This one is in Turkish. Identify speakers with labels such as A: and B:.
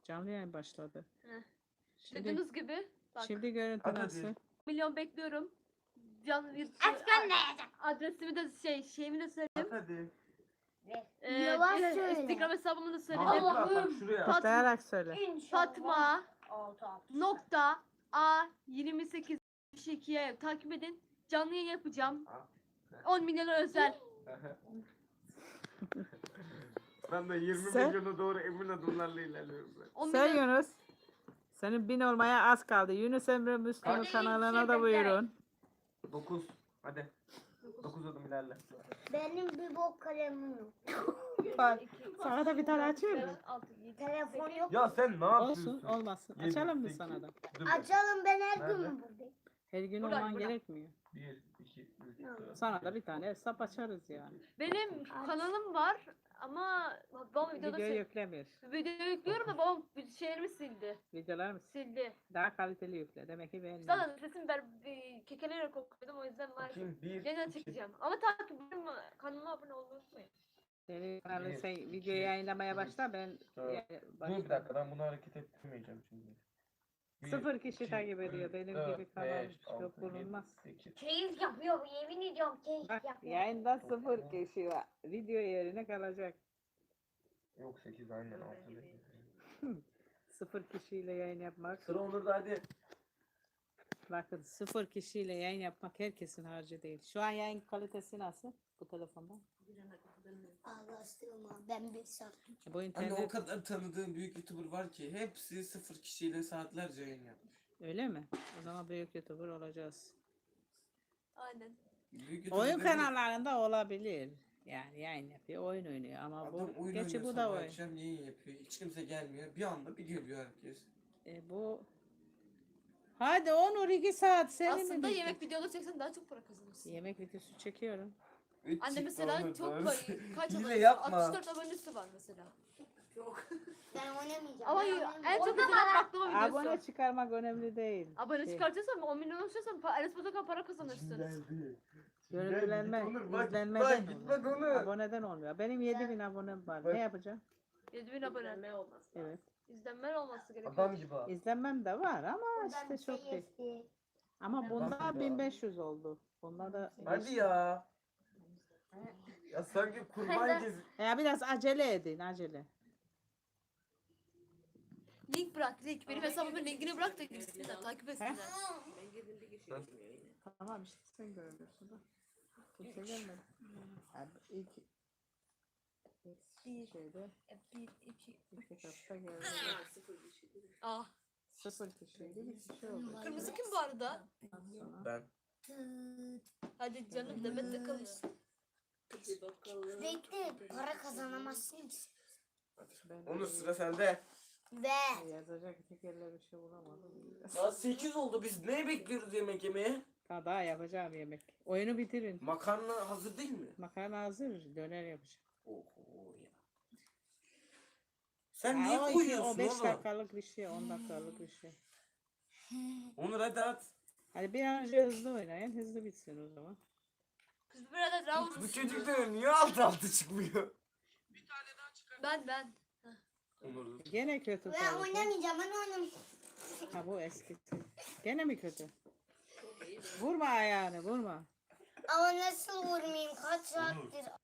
A: Canlı yayın başladı.
B: Heh.
A: Şimdi,
B: Dediğiniz gibi. Bak.
A: şimdi görüntü
C: Hadi.
A: nasıl?
B: Milyon bekliyorum. Canlı adresimi de şeyimi de söyledim.
C: Hadi.
D: Yavaş söyle.
B: Instagram hesabımı da söyledim.
C: Bak şuraya.
A: Patlayarak söyle.
B: Fatma nokta A 28 2'ye takip edin. Canlı yayın yapacağım. 10 milyona özel.
C: Ben de 20
A: Sen-
C: milyona doğru emin adımlarla ilerliyorum ben.
B: 10
A: Sen
B: milyon.
A: Yunus. Senin 1000 olmaya az kaldı. Yunus Emre Müslüm'ün
C: Kaç?
A: kanalına da buyurun.
C: 9. Hadi. 9 adım ilerle.
D: Benim bir bok kalemim yok.
A: Sana da bir tane açayım mı?
D: Telefon yok.
C: Ya sen ne yapıyorsun?
A: Olsun olmasın.
C: Yedi,
A: Açalım mı
C: sekiz.
A: sana da?
C: Dur.
D: Açalım, ben her
C: Nerede?
D: gün buradayım.
A: Her gün
B: Buradan,
A: olman
B: buradan.
A: gerekmiyor.
C: 1, 2, 3, 4.
A: Sana da bir tane hesap açarız yani.
B: Benim kanalım var ama babam videoda
A: Video yüklemiyor.
B: video yüklüyorum da babam şeylerimi sildi.
A: Videolar mı?
B: Sildi.
A: Daha kaliteli yükle. Demek ki beğendim.
B: Zaten sesim kekeleyerek okudum o yüzden maalesef.
C: Bakayım 1,
B: Yeniden
C: 2.
B: çekeceğim. Ama takip kanalıma abone olmayı unutmayın.
A: Senin kanalı
C: Bir,
A: sen video
C: iki,
A: yayınlamaya
C: üç,
A: başla ben
C: dört. Dur bir dakika, ben bunu hareket ettirmeyeceğim şimdi.
A: 0 kişi takip ediyor. Benim gibi kanal çok bulunmaz.
C: 8.
D: Keyif yapıyor, yemin ediyorum keyif
A: Bak
D: yapıyor.
A: yayında 0 kişi var. Video yerine kalacak.
C: Yok 8 aynen 6
A: 0 kişiyle yayın yapmak.
C: Sıra Onur'da, hadi.
A: Bakın 0 kişiyle yayın yapmak herkesin harcı değil. Şu an yayın kalitesi nasıl bu telefonda?
D: Ağlaştırma, ben bir sattım.
A: Bu
E: Anne, o
A: internet
E: kadar tanıdığım büyük YouTuber var ki hepsi 0 kişiyle saatlerce yayın yapmış.
A: öyle mi? O zaman büyük YouTuber olacağız.
B: Aynen.
E: Büyük YouTuber
A: Oyun
E: dediğim,
A: kanallarında olabilir. Yani yayın yapıyor, oyun oynuyor ama
E: adam
A: bu
E: oyun
A: gerçi
E: oynuyor,
A: bu da
E: sabah
A: oyun.
E: akşam yayın yapıyor. Hiç kimse gelmiyor. Bir anda bir geliyor herkes.
A: Bu hadi Onur 2 saat seni mi
B: Aslında
A: bitti?
B: yemek videoları çeksen daha çok para kazanırsın.
A: Yemek videosu çekiyorum.
B: Anne mesela çok kaç
E: Hile
B: abonesi?
E: yapma.
B: 64 abonesi var mesela.
D: Ben oynamayacağım.
B: Ama
D: ben
B: en
D: oynamayacağım.
B: çok izlenen baklava videosu.
A: Abone çıkarmak önemli değil.
B: Abone
A: Şey,
B: çıkartırsan 10 milyon ulaşırsan Enes Batur'dan para kazanırsın.
A: görüntülenme,
C: Bak
A: izlenmeden
C: git
A: oluyor.
C: bak Onur.
A: Aboneden olmuyor. Benim 7000 abonem var.
C: Bak.
A: Ne yapacağım?
B: 7000 abone.
A: Evet.
B: İzlenmeler olması gerekiyor.
C: Adam gibi ha.
A: İzlenmem de var ama
D: Buradan
A: işte
D: bir şey
A: çok değil.
D: istedim.
A: Ama bunda
C: Nasıl ya?
A: 1500 oldu. Bunda da
C: Hadi ya. Ya sanki kurban gezi.
A: Ya biraz acele edin, acele.
B: Link bırak link. Benim hesabımın linkini bırak da girsinler takip etsinler.
A: Tamam işte sen görüyorsun da. Kimse gelmedi. Yani ilk şeyde 2 hafta geldi.
B: Ah.
A: 0 kişiydi, bir kişi oldu.
B: Kırmızı kim bu arada?
A: Ondan sonra
C: Ben.
B: Hadi canım Demet de kalır.
D: Bekle, para kazanamazsın ki.
A: ben
C: Onur, sıra sende.
D: Ve
A: yazacak tekerle bir şey bulamadım.
E: Saat 8 oldu, biz ne bekliyoruz yemek yemeye?
A: Daha yapacağım yemek. Oyunu bitirin.
E: Makarna hazır değil mi?
A: Makarna hazır, döner yapacağım.
E: Oho ya. Sen niye
A: o
E: koyuyorsun
A: 5
E: oğlum?
A: dakikalık bir şey, 10 dakikalık bir şey.
E: Onur hadi at.
A: Hadi bir an önce hızlı oynayın, hızlı bitsin o zaman.
B: Kız bir arada round.
C: Bu çocuk da niye altı çıkmıyor?
B: Ben.
E: Onur.
A: Gene kötü
D: ben
A: kaldı.
D: oynamayacağım, ben oynamayacağım.
A: Ha bu eskisi. Gene mi kötü? Vurma ayağını, vurma.
D: Ama nasıl vurmayayım, kaç saattir